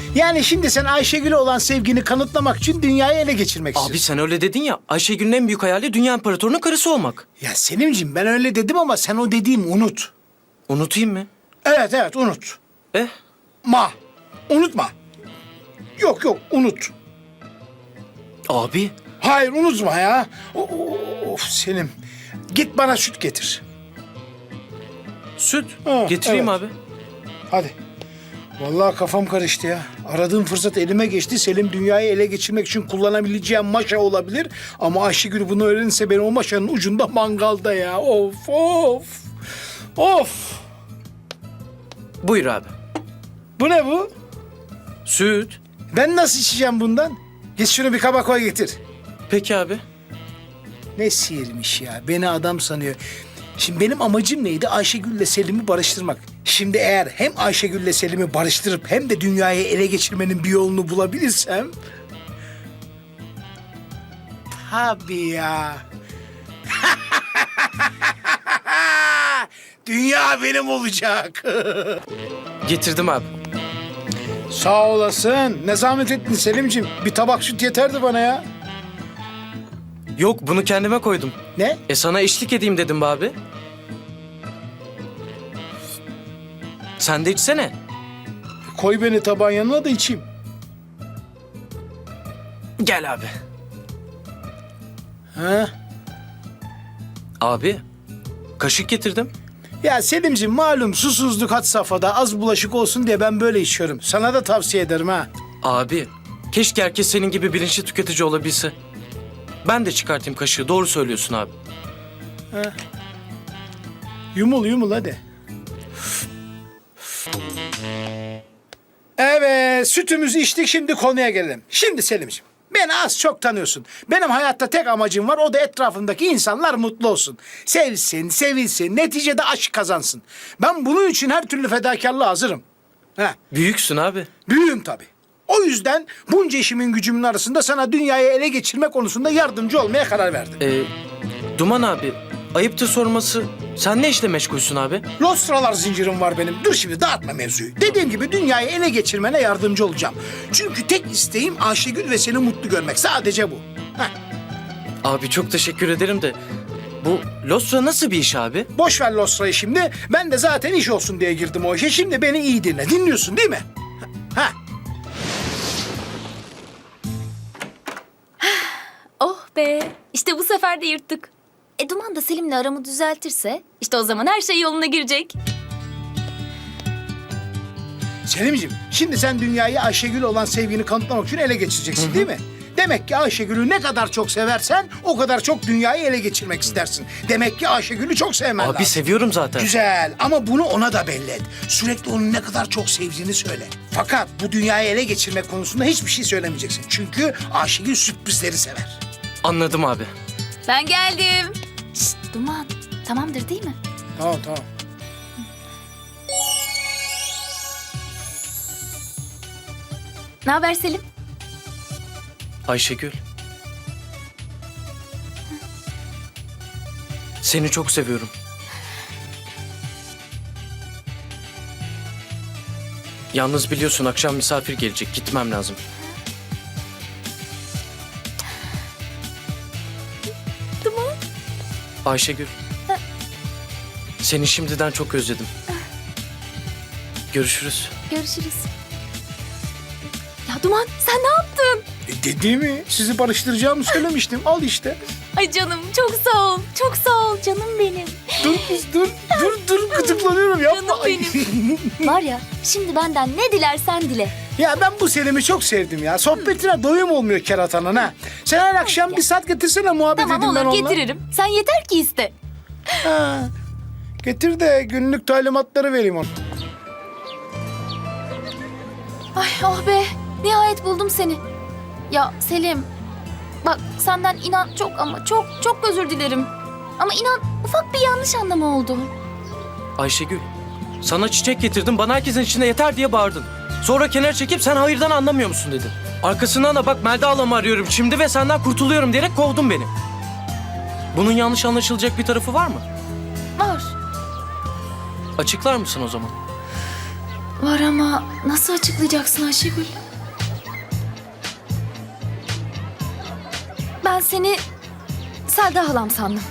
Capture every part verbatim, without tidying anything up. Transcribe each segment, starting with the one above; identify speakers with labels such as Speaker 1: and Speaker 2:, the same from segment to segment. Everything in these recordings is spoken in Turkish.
Speaker 1: Yani şimdi sen Ayşegül'e olan sevgini kanıtlamak için dünyayı ele geçirmek
Speaker 2: Abi
Speaker 1: istiyorsun.
Speaker 2: sen öyle dedin ya. Ayşegül'ün en büyük hayali dünya imparatorunun karısı olmak.
Speaker 1: Ya Selimciğim ben öyle dedim ama sen o dediğimi unut.
Speaker 2: Unutayım mı?
Speaker 1: Evet evet unut.
Speaker 2: Eh.
Speaker 1: Ma. Unutma. Yok yok unut.
Speaker 2: Abi.
Speaker 1: Hayır unutma ya. O- o- Of Selim. Git bana süt getir.
Speaker 2: Süt.
Speaker 1: Ha,
Speaker 2: Getireyim
Speaker 1: evet.
Speaker 2: abi.
Speaker 1: Hadi. Vallahi kafam karıştı ya. Aradığım fırsat elime geçti. Selim dünyayı ele geçirmek için kullanabileceğim maşa olabilir. Ama Ayşegül bunu öğrenirse beni o maşanın ucunda mangalda ya. Of of. Of.
Speaker 2: Buyur abi.
Speaker 1: Bu ne bu?
Speaker 2: Süt.
Speaker 1: Ben nasıl içeceğim bundan? Git şunu bir kaba koy getir.
Speaker 2: Peki abi.
Speaker 1: Ne sihirmiş ya. Beni adam sanıyor. Şimdi benim amacım neydi? Ayşegül'le Selim'i barıştırmak. Şimdi eğer hem Ayşegül'le Selim'i barıştırıp hem de dünyayı ele geçirmenin bir yolunu bulabilirsem... Tabii ya. Dünya benim olacak.
Speaker 2: Getirdim abi.
Speaker 1: Sağ olasın. Ne zahmet ettin Selim'ciğim. Bir tabak süt yeterdi bana ya.
Speaker 2: Yok bunu kendime koydum.
Speaker 1: Ne?
Speaker 2: E sana eşlik edeyim dedim be abi. Sen de içsene.
Speaker 1: Koy beni tabağın yanına da içeyim.
Speaker 2: Gel abi.
Speaker 1: Ha?
Speaker 2: Abi. Kaşık getirdim.
Speaker 1: Ya Selimciğim malum susuzluk had safhada az bulaşık olsun diye ben böyle içiyorum. Sana da tavsiye ederim ha.
Speaker 2: Abi. Keşke herkes senin gibi bilinçli tüketici olabilse. Ben de çıkartayım kaşığı. Doğru söylüyorsun abi.
Speaker 1: Yumul yumul hadi. Evet sütümüzü içtik şimdi konuya gelelim. Şimdi Selimciğim beni az çok tanıyorsun. Benim hayatta tek amacım var o da etrafımdaki insanlar mutlu olsun. Sevsin, sevilsin, neticede aşk kazansın. Ben bunun için her türlü fedakarlığa hazırım. Ha.
Speaker 2: Büyüksün abi.
Speaker 1: Büyüğüm tabii. O yüzden bunca işimin gücümün arasında sana dünyayı ele geçirme konusunda yardımcı olmaya karar verdim.
Speaker 2: Ee, Duman abi. Ayıptır sorması. Sen ne işle meşgulsün abi?
Speaker 1: Lostralar zincirim var benim. Dur şimdi dağıtma mevzuyu. Dediğim gibi dünyayı ele geçirmene yardımcı olacağım. Çünkü tek isteğim Ayşegül ve seni mutlu görmek. Sadece bu. Heh.
Speaker 2: Abi çok teşekkür ederim de. Bu Lostra nasıl bir iş abi?
Speaker 1: Boş ver Lostra'yı şimdi. Ben de zaten iş olsun diye girdim o işe. Şimdi beni iyi dinle. Dinliyorsun değil mi? Ha.
Speaker 3: Oh be. İşte bu sefer de yırttık. E Duman da Selim'le aramı düzeltirse işte o zaman her şey yoluna girecek.
Speaker 1: Selimciğim, şimdi sen dünyayı Ayşegül olan sevgini kanıtlamak için ele geçireceksin değil mi? Demek ki Ayşegül'ü ne kadar çok seversen o kadar çok dünyayı ele geçirmek istersin. Demek ki Ayşegül'ü çok sevmen
Speaker 2: Abi
Speaker 1: lazım.
Speaker 2: seviyorum zaten.
Speaker 1: Güzel ama bunu ona da belli et. Sürekli onun ne kadar çok sevdiğini söyle. Fakat bu dünyayı ele geçirmek konusunda hiçbir şey söylemeyeceksin. Çünkü Ayşegül sürprizleri sever.
Speaker 2: Anladım abi.
Speaker 3: Ben geldim. Şşt Duman. Tamamdır değil mi?
Speaker 1: Tamam tamam.
Speaker 3: Ne haber Selim?
Speaker 2: Ayşegül. Seni çok seviyorum. Yalnız biliyorsun akşam misafir gelecek. Gitmem lazım.
Speaker 3: Duman.
Speaker 2: Ayşegül. Seni şimdiden çok özledim. Görüşürüz.
Speaker 3: Görüşürüz. Ya Duman sen ne yaptın?
Speaker 1: E dediğimi sizi barıştıracağımı söylemiştim. Al işte.
Speaker 3: Ay canım çok sağ ol. Çok sağ ol canım benim.
Speaker 1: Dur kız dur. Dur dur gıdıklanıyorum yapma.
Speaker 3: Canım
Speaker 1: Ay.
Speaker 3: Var ya şimdi benden ne dilersen dile.
Speaker 1: Ya ben bu Selim'i çok sevdim ya. Sohbetine doyum olmuyor keratanın ha. Sen her akşam bir saat getirsene muhabbet
Speaker 3: Tamam
Speaker 1: edeyim ben
Speaker 3: olur
Speaker 1: onunla.
Speaker 3: getiririm. Sen yeter ki iste.
Speaker 1: Ha. Getir de günlük talimatları vereyim ona.
Speaker 3: Ay oh be. Nihayet buldum seni. Ya Selim. Bak senden inan çok ama çok çok özür dilerim. Ama inan ufak bir yanlış anlama oldu.
Speaker 2: Ayşegül. Sana çiçek getirdim. Bana herkesin içinde yeter diye bağırdın. Sonra kenara çekip sen hayırdan anlamıyor musun dedin. Arkasından da bak Melda ablamı arıyorum şimdi ve senden kurtuluyorum diyerek kovdun beni. Bunun yanlış anlaşılacak bir tarafı var mı?
Speaker 3: Var.
Speaker 2: Açıklar mısın o zaman?
Speaker 3: Var ama nasıl açıklayacaksın Ayşegül? Ben seni Selda halam sandım.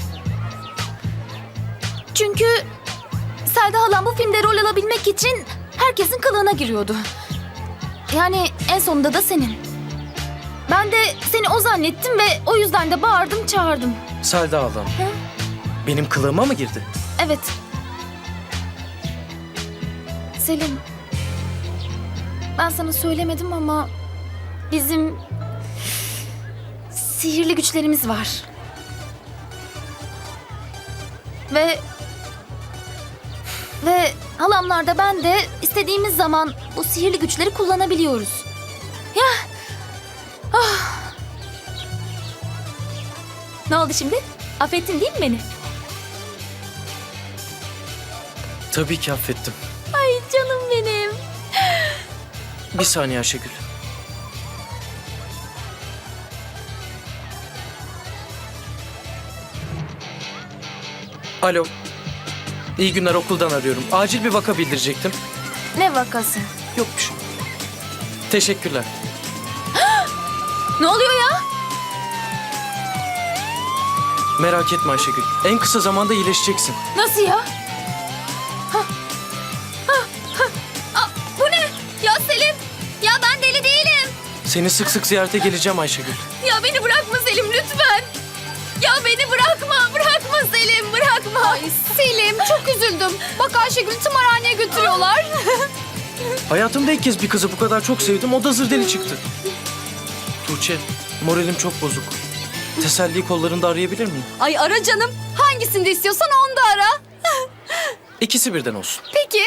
Speaker 3: Çünkü Selda halam bu filmde rol alabilmek için herkesin kılığına giriyordu. Yani en sonunda da senin. Ben de seni o zannettim ve o yüzden de bağırdım çağırdım.
Speaker 2: Selda ablam. Benim kılığıma mı girdi?
Speaker 3: Evet. Selim. Ben sana söylemedim ama bizim sihirli güçlerimiz var. Ve ve halamlar da ben de istediğimiz zaman bu sihirli güçleri kullanabiliyoruz. Ya. Ah. Ne oldu şimdi? Affettin değil mi beni?
Speaker 2: Tabii ki affettim.
Speaker 3: Ay canım benim.
Speaker 2: Bir saniye Ayşegül. Alo. İyi günler, okuldan arıyorum. Acil bir vaka bildirecektim.
Speaker 3: Ne vakası?
Speaker 2: Yok bir şey. Teşekkürler.
Speaker 3: Ne oluyor ya?
Speaker 2: Merak etme Ayşegül. En kısa zamanda iyileşeceksin.
Speaker 3: Nasıl ya? Ha. Ha. Ha. Aa, bu ne? Ya Selim. Ya ben deli değilim.
Speaker 2: Seni sık sık ziyarete geleceğim Ayşegül.
Speaker 3: Ya beni bırakma Selim lütfen. Ya beni bırakma. Bırakma Selim. Bırakma. Ay Selim çok üzüldüm. Bak Ayşegül'ü tımarhaneye götürüyorlar.
Speaker 2: Hayatımda ilk kez bir kızı bu kadar çok sevdim. O da zır deli çıktı. Tuğçe, moralim çok bozuk. Teselli kollarında arayabilir miyim?
Speaker 3: Ay ara canım. Hangisini istiyorsan onu da ara.
Speaker 2: İkisi birden olsun.
Speaker 3: Peki.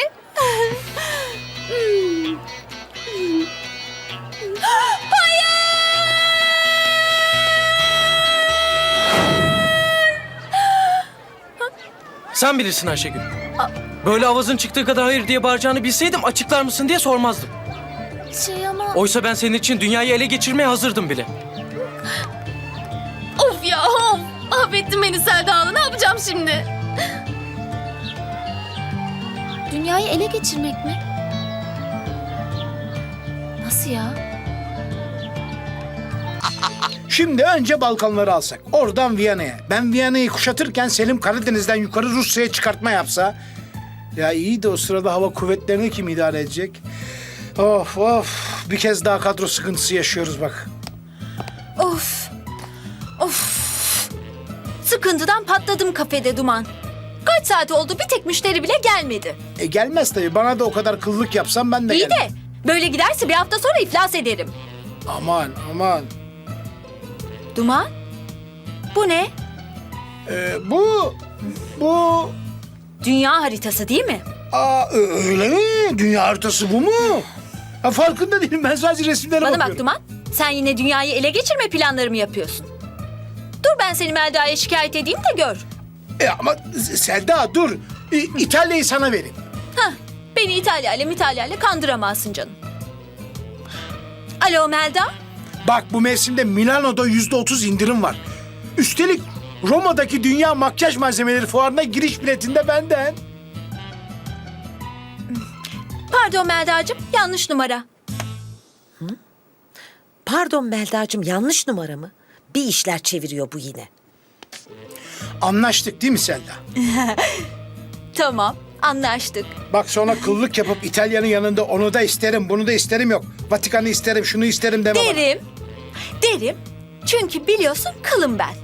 Speaker 2: Sen bilirsin Ayşegül. Böyle avazın çıktığı kadar hayır diye bağıracağını bilseydim açıklar mısın diye sormazdım.
Speaker 3: Şey ama...
Speaker 2: Oysa ben senin için dünyayı ele geçirmeye hazırdım bile.
Speaker 3: Of ya of. Affettin beni Selda Hanım. Ne yapacağım şimdi? Dünyayı ele geçirmek mi? Nasıl ya?
Speaker 1: Şimdi önce Balkanları alsak. Oradan Viyana'ya. Ben Viyana'yı kuşatırken Selim Karadeniz'den yukarı Rusya'ya çıkartma yapsa. Ya iyi de o sırada hava kuvvetlerini kim idare edecek? Of of. Bir kez daha kadro sıkıntısı yaşıyoruz bak.
Speaker 4: Of. Of. Sıkıntıdan patladım kafede Duman. Kaç saat oldu bir tek müşteri bile gelmedi.
Speaker 1: E gelmez tabii. Bana da o kadar kıllık yapsam ben de
Speaker 4: İyi
Speaker 1: gelmem.
Speaker 4: de böyle giderse bir hafta sonra iflas ederim.
Speaker 1: Aman aman.
Speaker 4: Duman? Bu ne?
Speaker 1: Ee, bu... Bu...
Speaker 4: Dünya haritası değil mi?
Speaker 1: Aa, ö- öyle mi? Dünya haritası bu mu? Ha, farkında değilim. Ben sadece resimlere
Speaker 4: Bana
Speaker 1: bakıyorum.
Speaker 4: bak Duman. Sen yine dünyayı ele geçirme planları mı yapıyorsun? Dur ben seni Melda'ya şikayet edeyim de gör.
Speaker 1: E, ama Selda dur. İ- İtalya'yı sana vereyim.
Speaker 4: Hah, beni İtalya ile İtalya ile kandıramazsın canım. Alo Melda?
Speaker 1: Bak bu mevsimde Milano'da yüzde otuz indirim var. Üstelik Roma'daki dünya makyaj malzemeleri fuarına giriş biletinde benden.
Speaker 4: Pardon Melda'cığım yanlış numara.
Speaker 5: Pardon Melda'cığım yanlış numara mı? Bir işler çeviriyor bu yine.
Speaker 1: Anlaştık değil mi Selda?
Speaker 4: Tamam anlaştık.
Speaker 1: Bak sonra kıllık yapıp İtalya'nın yanında onu da isterim, bunu da isterim yok. Vatikan'ı isterim, şunu isterim deme bana.
Speaker 4: Derim. Derim. Çünkü biliyorsun kılım ben.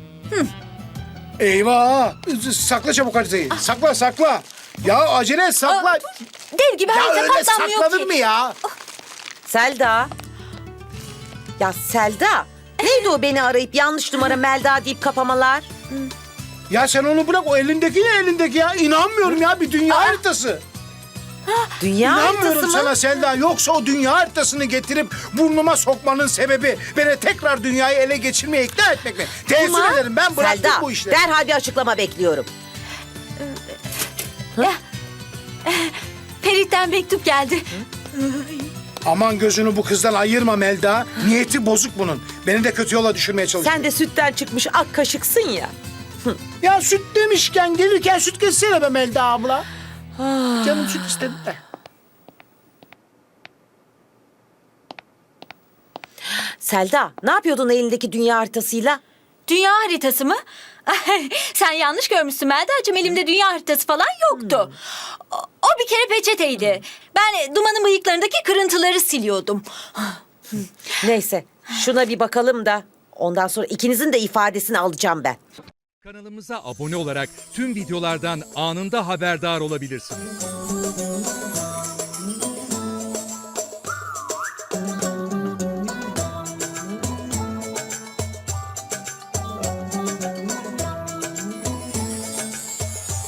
Speaker 1: Eyvah! Sakla çabuk haritayı. Sakla, sakla. Ya acele et, sakla.
Speaker 4: Aa, Dev gibi
Speaker 1: Ya
Speaker 4: harita
Speaker 1: öyle
Speaker 4: patlamıyor
Speaker 1: saklanır
Speaker 4: ki.
Speaker 1: mı ya?
Speaker 5: Selda. Ya Selda. Neydi o beni arayıp yanlış numara Melda deyip kapamalar?
Speaker 1: Ya sen onu bırak, o elindeki ne elindeki ya? İnanmıyorum ya, bir dünya haritası.
Speaker 5: Dünya haritası
Speaker 1: İnanmıyorum
Speaker 5: mı?
Speaker 1: sana Selda. Yoksa o dünya haritasını getirip burnuma sokmanın sebebi beni tekrar dünyayı ele geçirmeye ikna etmek mi? Teessüf
Speaker 5: Duman.
Speaker 1: ederim, ben bıraktım
Speaker 5: Selda,
Speaker 1: bu işleri.
Speaker 5: derhal bir açıklama bekliyorum.
Speaker 4: Ferit'ten mektup geldi.
Speaker 1: Aman gözünü bu kızdan ayırma Melda. Niyeti bozuk bunun. Beni de kötü yola düşürmeye çalışıyor.
Speaker 5: Sen de sütten çıkmış ak kaşıksın ya.
Speaker 1: Ya süt demişken gelirken süt kessene be Melda abla. Canım süt istedi de.
Speaker 5: Selda, ne yapıyordun elindeki dünya haritasıyla?
Speaker 4: Dünya haritası mı? Sen yanlış görmüşsün Melda'cığım. Elimde dünya haritası falan yoktu. O, o bir kere peçeteydi. Ben Duman'ın bıyıklarındaki kırıntıları siliyordum.
Speaker 5: Neyse, şuna bir bakalım da ondan sonra ikinizin de ifadesini alacağım ben.
Speaker 6: Kanalımıza abone olarak tüm videolardan anında haberdar olabilirsiniz.